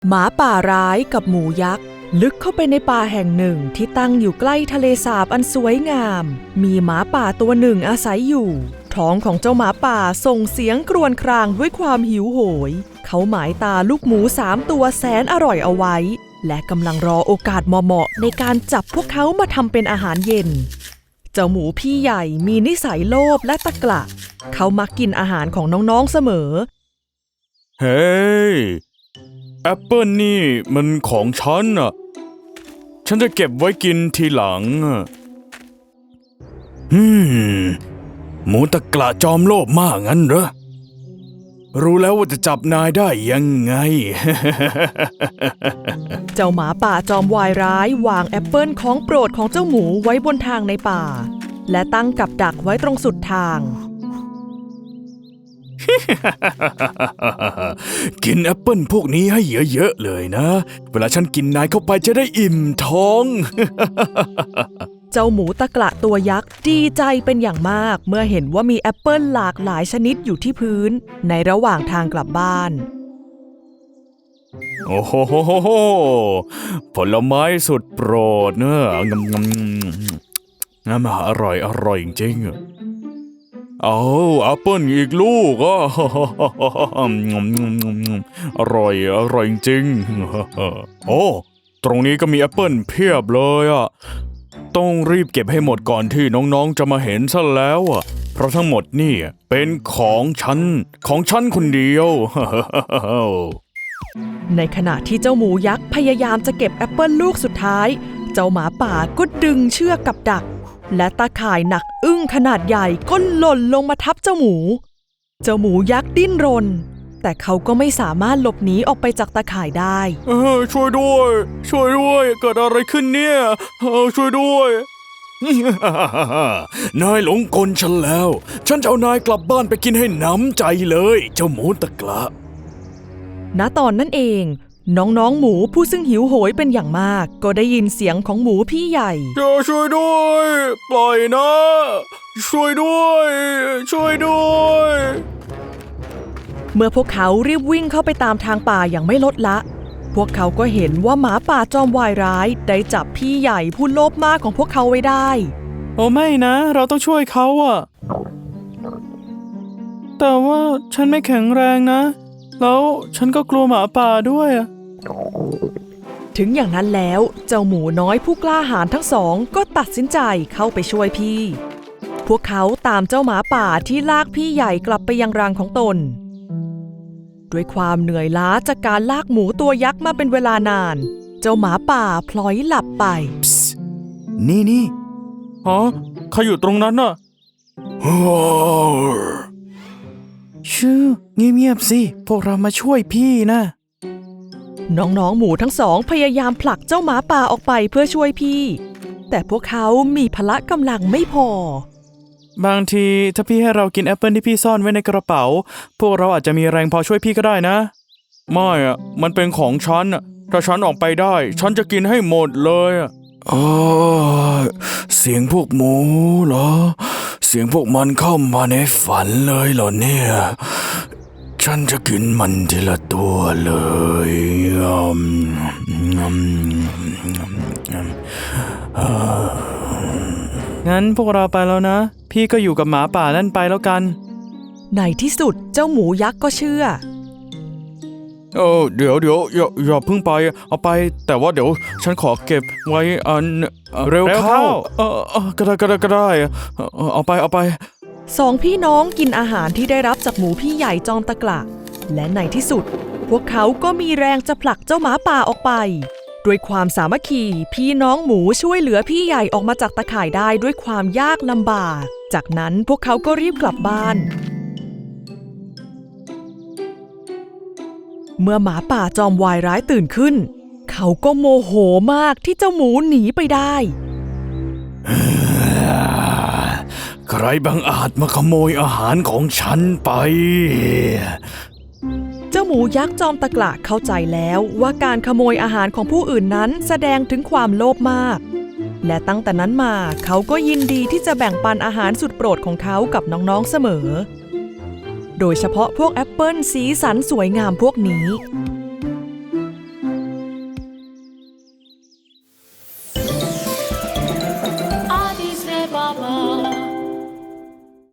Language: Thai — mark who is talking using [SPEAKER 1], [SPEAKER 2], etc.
[SPEAKER 1] หมาป่าร้ายกับหมูยักษ์ลึกเข้าไปในป่าแห่งหนึ่งที่ตั้งอยู่ใกล้ทะเลสาบอันสวยงามมีหมาป่าตัวหนึ่งอาศัยอยู่ท้องของเจ้าหมาป่าส่งเสียงครวญครางด้วยความหิวโหยเขาหมายตาลูกหมู3 ตัวแสนอร่อยเอาไว้และกำลังรอโอกาสเหมาะๆในการจับพวกเขามาทำเป็นอาหารเย็นเจ้าหมูพี่ใหญ่มีนิสัยโลภและตะกละเขามักกินอาหารของน้องๆเสมอ
[SPEAKER 2] เฮ้ยแอปเปิลนี่มันของฉันอ่ะฉันจะเก็บไว้กินทีหลังหมูตะกละจอมโลภมากงั้นเหรอรู้แล้วว่าจะจับนายได้ยังไง
[SPEAKER 1] เจ้าหมาป่าจอมวายร้ายวางแอปเปิลของโปรดของเจ้าหมูไว้บนทางในป่าและตั้งกับดักไว้ตรงสุดทาง
[SPEAKER 2] กินแอปเปิลพวกนี้ให้เยอะๆเลยนะเวลาฉันกินนายเข้าไปจะได้อิ่มท้อง
[SPEAKER 1] เจ้าหมูตะกละตัวยักษ์ดีใจเป็นอย่างมากเมื่อเห็นว่ามีแอปเปิลหลากหลายชนิดอยู่ที่พื้นในระหว่างทางกลับบ้าน
[SPEAKER 2] โอ้โหผลไม้สุดโปรดเนอะงำอร่อยจริงๆเอาแอปเปิลอีกลูกอ่ะอร่อยจริงโอ้ตรงนี้ก็มีแอปเปิลเพียบเลยอ่ะต้องรีบเก็บให้หมดก่อนที่น้องๆจะมาเห็นซะแล้วอ่ะเพราะทั้งหมดนี่เป็นของฉันคนเดียว
[SPEAKER 1] ในขณะที่เจ้าหมูยักษ์พยายามจะเก็บแอปเปิลลูกสุดท้ายเจ้าหมาป่าก็ดึงเชือกกับดักและตาข่ายหนักอึ้งขนาดใหญ่ก็หล่นลงมาทับเจ้าหมูยักษ์ดิ้นรนแต่เขาก็ไม่สามารถหลบหนีออกไปจากตาข่ายได้
[SPEAKER 2] ช่วยด้วยเกิดอะไรขึ้นเนี่ยช่วยด้วย นายหลงกลฉันแล้วฉันจะเอานายกลับบ้านไปกินให้หนำใจเลยเจ้าหมูตะกละ
[SPEAKER 1] ณตอนนั้นเองน้องๆหมูผู้ซึ่งหิวโหยเป็นอย่างมากก็ได้ยินเสียงของหมูพี่ใหญ่
[SPEAKER 2] ช่วยด้วยปล่อยนะช่วยด้วย
[SPEAKER 1] เมื่อพวกเขารีบวิ่งเข้าไปตามทางป่าอย่างไม่ลดละพวกเขาก็เห็นว่าหมาป่าจอมวายร้ายได้จับพี่ใหญ่ผู้โลภมากของพวกเขาไว้ได้
[SPEAKER 3] โอ้ไม่นะเราต้องช่วยเขาอะแต่ว่าฉันไม่แข็งแรงนะแล้วฉันก็กลัวหมาป่าด้วย
[SPEAKER 1] ถึงอย่างนั้นแล้วเจ้าหมูน้อยผู้กล้าหาญทั้งสองก็ตัดสินใจเข้าไปช่วยพี่พวกเขาตามเจ้าหมาป่าที่ลากพี่ใหญ่กลับไปยังรังของตนด้วยความเหนื่อยล้าจากการลากหมูตัวยักษ์มาเป็นเวลานานเจ้าหมาป่าพลอยหลับไป
[SPEAKER 2] นี่
[SPEAKER 3] ฮะใครอยู่ตรงนั้นน่ะชื่อเงียบๆสิพวกเรามาช่วยพี่นะ
[SPEAKER 1] น้องๆหมูทั้งสองพยายามผลักเจ้าหมาป่าออกไปเพื่อช่วยพี่แต่พวกเขามีพละกำลังไม่พอบ
[SPEAKER 3] างทีถ้าพี่ให้เรากินแอปเปิลที่พี่ซ่อนไว้ในกระเป๋าพวกเราอาจจะมีแรงพอช่วยพี่ก็ได้นะ
[SPEAKER 2] ไม่อ่ะมันเป็นของฉันอ่ะถ้าฉันออกไปได้ฉันจะกินให้หมดเลยอ่ะเสียงพวกหมูเหรอเสียงพวกมันเข้ามาในฝันเลยเหรอเนี่ยฉันจะกินมันทีละตัวเลย
[SPEAKER 3] งั้นพวกเราไปแล้วนะพี่ก็อยู่กับหมาป่านั่นไปแล้วกัน
[SPEAKER 1] ในที่สุดเจ้าหมูยักษ์ก็เชื่อ
[SPEAKER 2] เดี๋ยวอย่าเพิ่งไปเอาไปแต่ว่าเดี๋ยวฉันขอเก็บไว้เร็วเข้าก็ได้เอาไป
[SPEAKER 1] สองพี่น้องกินอาหารที่ได้รับจากหมูพี่ใหญ่จอมตะกละและในที่สุดพวกเขาก็มีแรงจะผลักเจ้าหมาป่าออกไปด้วยความสามัคคีพี่น้องหมูช่วยเหลือพี่ใหญ่ออกมาจากตะข่ายได้ด้วยความยากลำบากจากนั้นพวกเขาก็รีบกลับบ้านเมื่อหมาป่าจอมวายร้ายตื่นขึ้นเขาก็โมโหมากที่เจ้าหมูหนีไปได้
[SPEAKER 2] ใครบังอาจมาขโมยอาหารของฉันไป
[SPEAKER 1] เจ้าหมูยักษ์จอมตะกละเข้าใจแล้วว่าการขโมยอาหารของผู้อื่นนั้นแสดงถึงความโลภมากและตั้งแต่นั้นมาเขาก็ยินดีที่จะแบ่งปันอาหารสุดโปรดของเขากับน้องๆเสมอโดยเฉพาะพวกแอปเปิลสีสันสวยงามพวกนี้